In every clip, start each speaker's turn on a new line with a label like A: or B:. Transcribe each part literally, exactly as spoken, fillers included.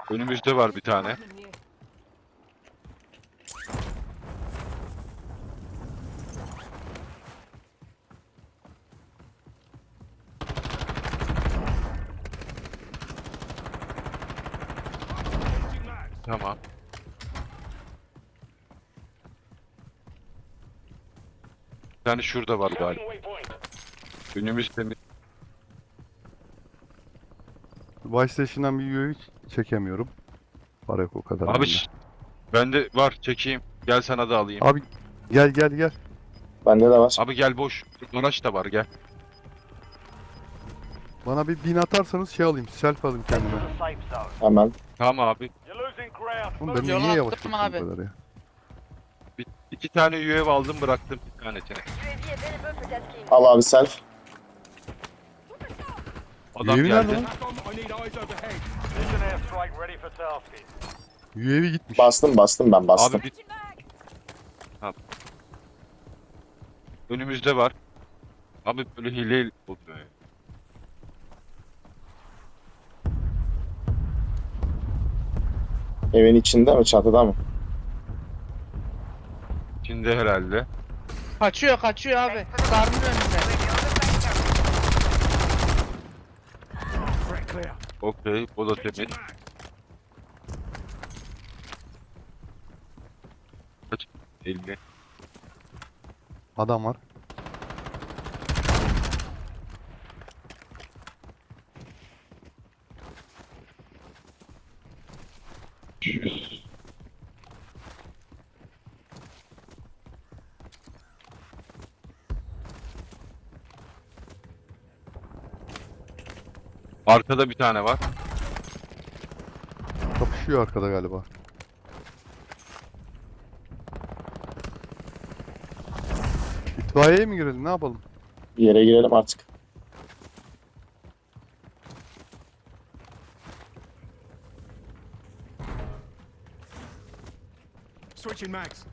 A: Önümüzde var bir tane. Tamam. Bir tane şurada var galiba. Önümüzde mi?
B: Vice Station'dan bir U A V çekemiyorum. Para yok o kadar
A: Abi
B: bende.
A: şşt, bende var, çekeyim. Gel sana da alayım.
B: Abi gel gel gel.
C: Bende de var.
A: Abi gel, boş. Araç da var, gel.
B: Bana bir bin atarsanız şey alayım. Self alayım kendime.
C: Hemen.
A: Tamam abi.
B: Oğlum ben
D: Yola
B: niye yavaş
D: attım
B: yapıyorum
D: abi.
B: bu kadar ya?
A: Bir, iki tane U A V aldım, bıraktım bir tanesini.
C: Al abi self.
A: Adam
B: U A V nerede
A: geldi.
B: lan? U A V gitmiş.
C: Bastım bastım ben bastım.
A: Abi bir... Ha. Önümüzde var. Abi böyle hile oluyor. ya.
C: Evin içinde mi çatıda mı?
A: İçinde herhalde.
D: Kaçıyor kaçıyor abi. Sarnın önünde.
A: Okey, o da temiz. Kaç? elli.
B: Adam var.
A: yüz. Arkada bir tane var.
B: Kapışıyor arkada galiba. İtfaiyeye mi girelim ne yapalım?
C: Bir yere girelim artık.
E: Switching mags.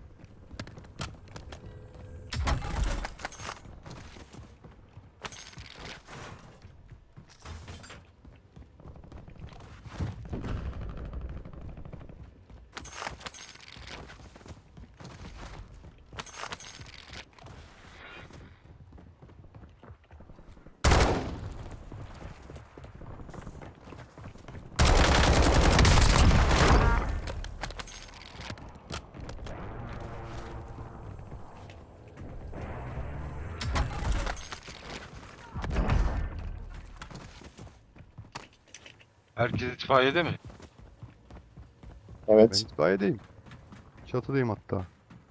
A: Herkes itfaiyede mi?
B: Ben
C: Evet.
B: itfaiyedeyim. Çatıdayım hatta.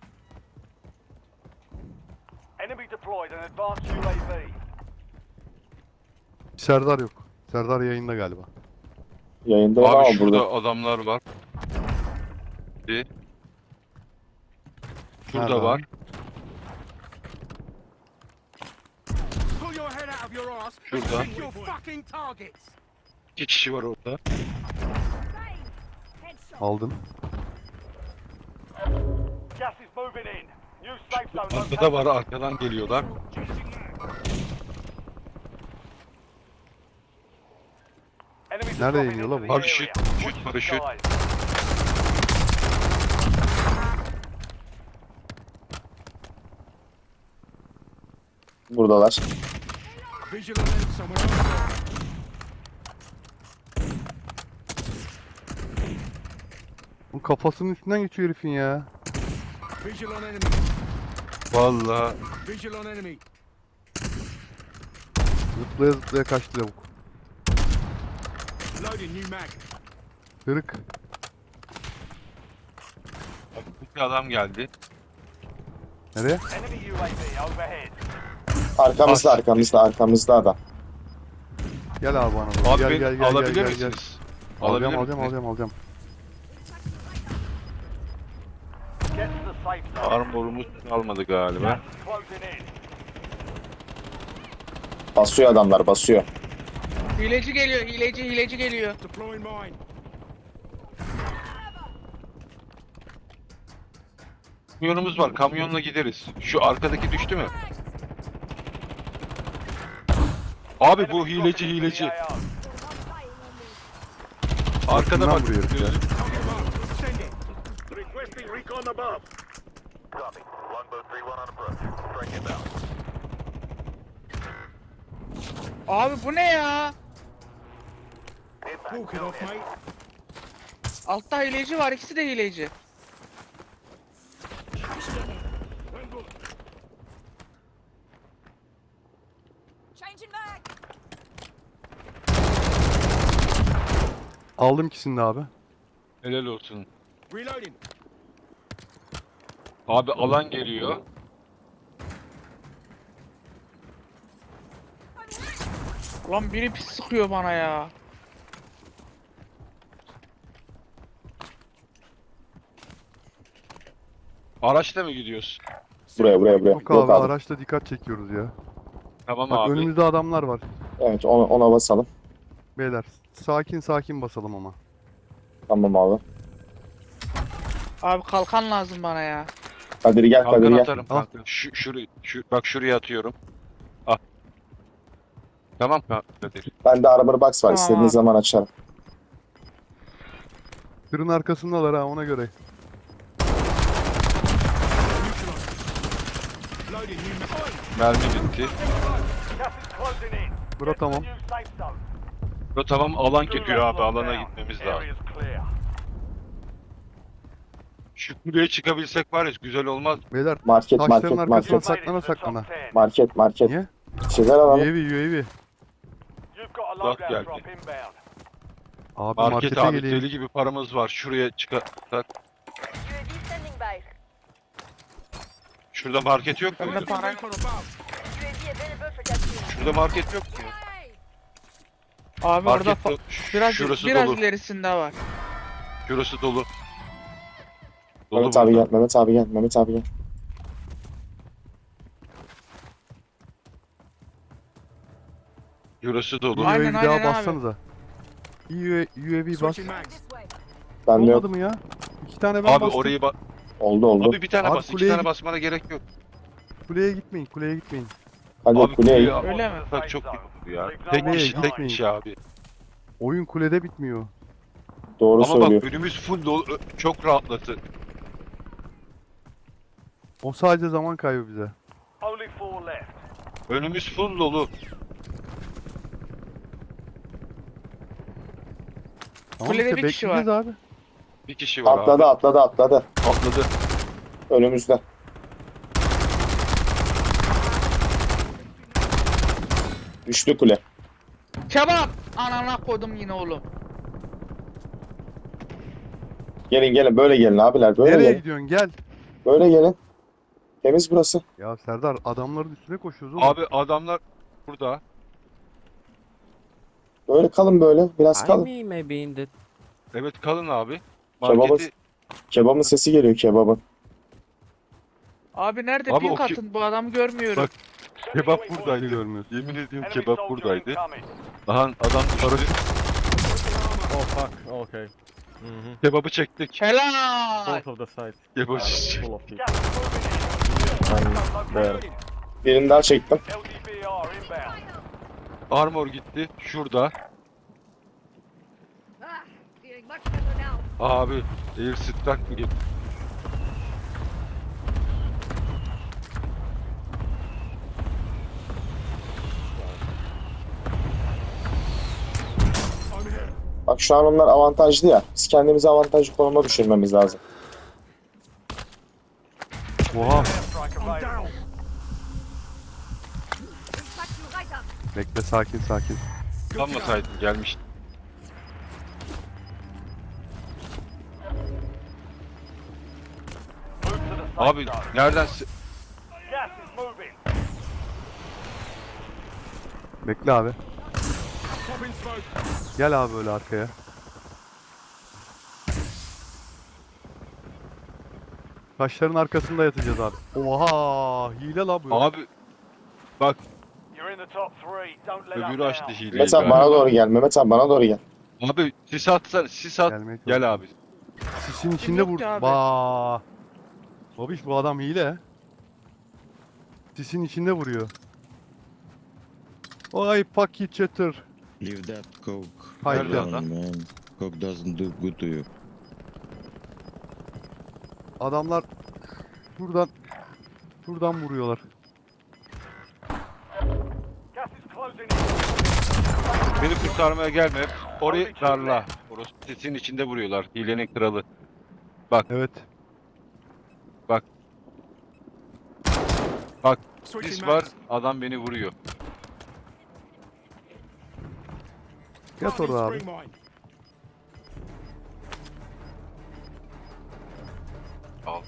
F: Enemy deployed an advanced U A V.
B: Serdar yok. Serdar yayında galiba.
C: Yayında
A: Abi
C: ama
A: şurada
C: burada.
A: adamlar var. Bir. Şurada
B: Nerede
A: var.
B: abi?
E: Pull your head out of your ass.
A: Şurada.
E: Pick your fucking targets.
A: İki kişi var orada.
B: Aldım.
F: Gas is moving in. New safe zone
A: Arkada
F: located.
A: var, arkadan geliyorlar.
F: Enemies
B: Nerede
F: are dropping
B: iniyor lan
F: into
B: bu?
F: the
A: Paraşüt,
F: area.
A: paraşüt,
F: Watch the
A: paraşüt.
F: skies.
C: Buradalar.
E: Visual on enemy somewhere over there.
B: Bu kafasının üstünden geçiyor herifin ya.
E: Visual on enemy.
A: Vallahi
E: Visual on enemy.
B: Zıplaya zıplaya kaçtı lavuk.
E: Loading new mag.
B: Kırık.
A: bir adam geldi.
B: Nereye?
F: Enemy U A V overhead.
C: Arkamızda
A: Bas.
C: arkamızda arkamızda adam.
B: Gel abi bana doğru.
A: Abi
B: Gel
A: beni
B: gel gel
A: alabilir
B: gel gel. gel.
A: misiniz? Alabilir
B: Alacağım alacağım
A: misiniz?
B: alacağım alacağım.
F: Get to the safe zone.
A: Armorumuz almadı galiba.
F: Gas is closing in.
C: Basıyor adamlar basıyor.
D: Hileci geliyor hileci hileci geliyor.
E: Deploying mine.
A: Kamyonumuz var, kamyonla gideriz. Şu arkadaki düştü mü? Abi bu
F: Enemy
A: hileci
F: dropping into the
A: hileci.
F: A O.
A: Arkada
B: Bundan
A: bak.
B: vuruyor herif ya.
E: Send it.
F: Requesting recon above. Copy. Longbow three one on approach. Strike inbound.
D: Abi bu ne ya?
E: Walk it off, mate.
D: Altta hileci var, ikisi de hileci.
G: Changing mag.
B: Aldım ikisini de abi.
A: Helal olsun.
E: Reloading.
A: Abi alan geliyor.
D: Lan biri pis sıkıyor bana ya.
A: Araçla mı gidiyoruz?
C: Buraya buraya buraya.
B: Yok
C: Yok
B: abi
C: abi.
B: araçta dikkat çekiyoruz ya.
A: Tamam
B: Bak
A: abi.
B: önümüzde adamlar var.
C: Evet ona, ona basalım.
B: Beyler sakin sakin basalım ama.
C: Tamam abi.
D: Abi kalkan lazım bana ya.
C: Kadir gel Kadir
A: Kalkan
C: gel.
A: atarım
B: Al.
A: kanka. Şu, şurayı, şu, bak şuraya atıyorum. Ah. Tamam mı Kadir?
C: Bende armor box var.
D: Tamam
C: İstediğiniz
D: abi.
C: zaman açarım.
B: Tırın arkasındalar ha ona göre.
E: Loading new mag.
A: Mermi bitti.
F: Gas is closing in.
B: Bura
F: Get to the
B: tamam.
F: new safe zone.
A: Bro tamam alan geliyor abi.
F: Lock
A: Alana
F: down.
A: gitmemiz lazım.
F: Area's clear.
A: Şu kuleye çıkabilsek var ya güzel olmaz.
B: Beyler
C: Market
B: taşların
C: market
B: arkasına
C: market.
B: saklana saklana.
C: Market market.
B: Niye?
C: Şeyler alalım.
B: U A V U A V.
F: You've got a
A: Bak
F: loadout
A: geldi.
F: drop inbound.
B: Abi
A: Market
B: markete
A: abi
B: geleyim.
A: deli gibi paramız var. Şuraya çıkarsak.
G: U A V standing by.
A: Şurada market yok mu?
D: Bende para yok.
E: Recon above.
G: U A V available for capture.
A: Şurada market yok mu?
D: Abi orada
A: Market
D: fa-
A: do-
D: biraz
A: şurası
D: biraz
A: dolu.
D: ilerisinde var.
A: Şurası dolu. Dolu
C: Mehmet abi
A: burada.
C: gel. Mehmet abi gel. Mehmet abi gel.
A: Şurası dolu.
D: Aynen,
B: U A V daha
D: aynen abi.
B: bassanıza. U A V bas.
E: Switching mags.
G: This way.
C: Bende yok.
B: Olmadı mı ya? İki tane ben
A: Abi
B: bastım.
A: orayı ba-
C: Oldu oldu.
A: Abi bir tane
B: Abi
A: bas. iki
B: kuleye
A: tane
B: git.
A: basmana gerek yok.
B: Kuleye gitmeyin kuleye gitmeyin.
C: Hadi
A: Abi
C: kuleye.
A: kuleye
D: Öyle mi?
A: Bak çok iyi ya.
F: Leave no
A: Tek
F: one
A: kişi tek
F: behind.
A: kişi abi.
B: Oyun kulede bitmiyor.
C: Doğru
A: Ama
C: söylüyor.
A: bak önümüz full dolu. Ö- Çok rahatlatı.
B: O sadece zaman kaybı bize.
F: Only four left.
A: Önümüz full dolu.
B: Tamam
D: Kulede
B: işte
D: bir kişi
B: bekleyeceğiz abi.
A: Bir kişi var
C: Atladı
A: abi.
C: atladı atladı.
A: Atladı.
C: Önümüzde. Düştü kule.
D: Kebap! Anana koydum yine oğlum.
C: Gelin gelin böyle gelin abiler böyle
B: Nereye
C: gelin.
B: gidiyorsun gel.
C: Böyle gelin. Temiz burası.
B: Ya Serdar adamların üstüne koşuyoruz oğlum.
A: Abi adamlar burada.
C: Böyle kalın böyle. Biraz
H: I
C: kalın.
H: mean, maybe in the
A: Evet kalın abi.
C: Kebabı-
A: Marketi
C: Kebabın sesi geliyor kebabın.
D: Abi nerede?
A: Abi
D: Pink
A: o ki-
D: atın, bu adamı görmüyorum.
A: Bak, kebap buradaydı görmüyorsun. Yemin ediyorum
F: Enemy
A: kebap
F: soldier
A: buradaydı.
F: incoming.
A: Aha adam düştü.
H: oh fuck, okay. Mm-hmm.
A: Kebabı çektik.
D: Helal!
H: Both of the sides.
A: Kebabı
H: are
A: çektik.
H: full of people.
F: Gas is moving in.
C: There.
F: Located.
C: Birini daha çektim.
F: L D B R inbound.
A: Armor gitti. Şurada.
G: Ah, feeling much better now.
A: Abi air strike mı gitti?
E: I'm here.
C: Bak şu an onlar avantajlı ya. Biz kendimizi avantajlı konuma düşürmemiz lazım.
B: Oha.
F: Airstrike
E: I'm
F: available.
E: down.
G: Back you right up.
B: Bekle sakin sakin.
A: Kalmasaydın gelmiş.
F: Move to the safe
A: Abi
F: zone.
A: nereden se-
F: Gas is moving.
B: Bekle abi.
E: Popping smoke.
B: Gel abi öyle arkaya. Taşların arkasında yatacağız abi. Oha hile la bu.
A: Abi bak
F: You're in the top three. Don't let up
A: öbürü
F: now.
A: açtı hileyi.
C: Mehmet abi
A: galiba.
C: bana doğru gel. Mehmet abi bana doğru gel.
A: Abi sis atsana sis at.
B: Gelmeye çalış-
A: Gel abi.
B: Sisin içinde
D: yok
B: vur.
D: ki abi?
B: Ba. Babiş bu adam hile. Sisin içinde vuruyor. Vay paki çatır.
I: Leave that coke
B: Haydi.
A: Nerede
I: alone,
A: lan?
I: man. cock doesn't do good to you.
B: Adamlar şuradan şuradan vuruyorlar.
F: Gas is closing in.
A: Beni kurtarmaya gelme. Orayı darla. Orası sesin içinde vuruyorlar. Hilenin kralı.
B: Evet.
E: Switching
A: Sis var.
E: mags.
A: Adam beni vuruyor.
B: Yat
E: Planting
B: orada abi.
E: spring mine.
A: Al.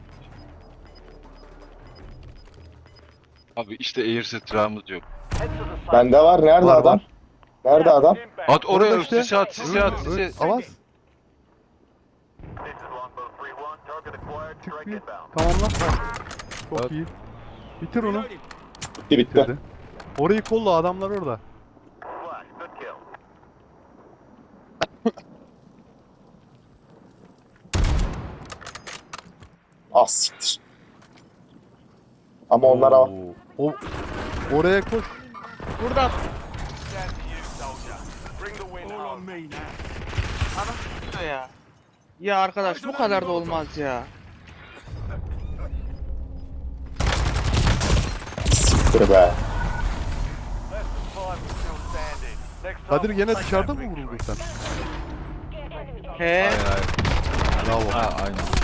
A: Abi işte air strahımız yok.
F: Head to the site.
C: Bende var. Nerede
B: Var,
C: adam?
B: var.
C: Nerede adam?
F: Inbound.
A: At oraya
B: Orada işte.
A: sisi at sisi at
B: Ö-
A: sisi.
B: Avaz.
F: This is longbow three one. Target acquired.
B: Çık
F: Strike
B: bir.
F: inbound.
B: Tamamla. Çok
A: Evet.
B: iyi. Bitir onu.
E: Reloading.
C: Bitti bitti.
B: Bitirdi. Orayı kolla, adamlar orada.
F: Flash. Good kill.
C: Ah siktir. Ama onlar ama.
B: Oo. O oraya koş.
D: Burada.
F: Stand to you, soldier. Bring the win
E: All on
F: home.
E: me now.
D: Adam tutuyor ya. Ya arkadaş bu kadar da olmaz ya.
C: Siktir be.
F: Less than five is still standing. Next time
B: Kadir
F: we'll
B: gene
F: take
B: dışarıda
F: that
B: mı
F: victory.
B: vuruldun sen?
D: He.
B: Bravo.
I: Ha aynen.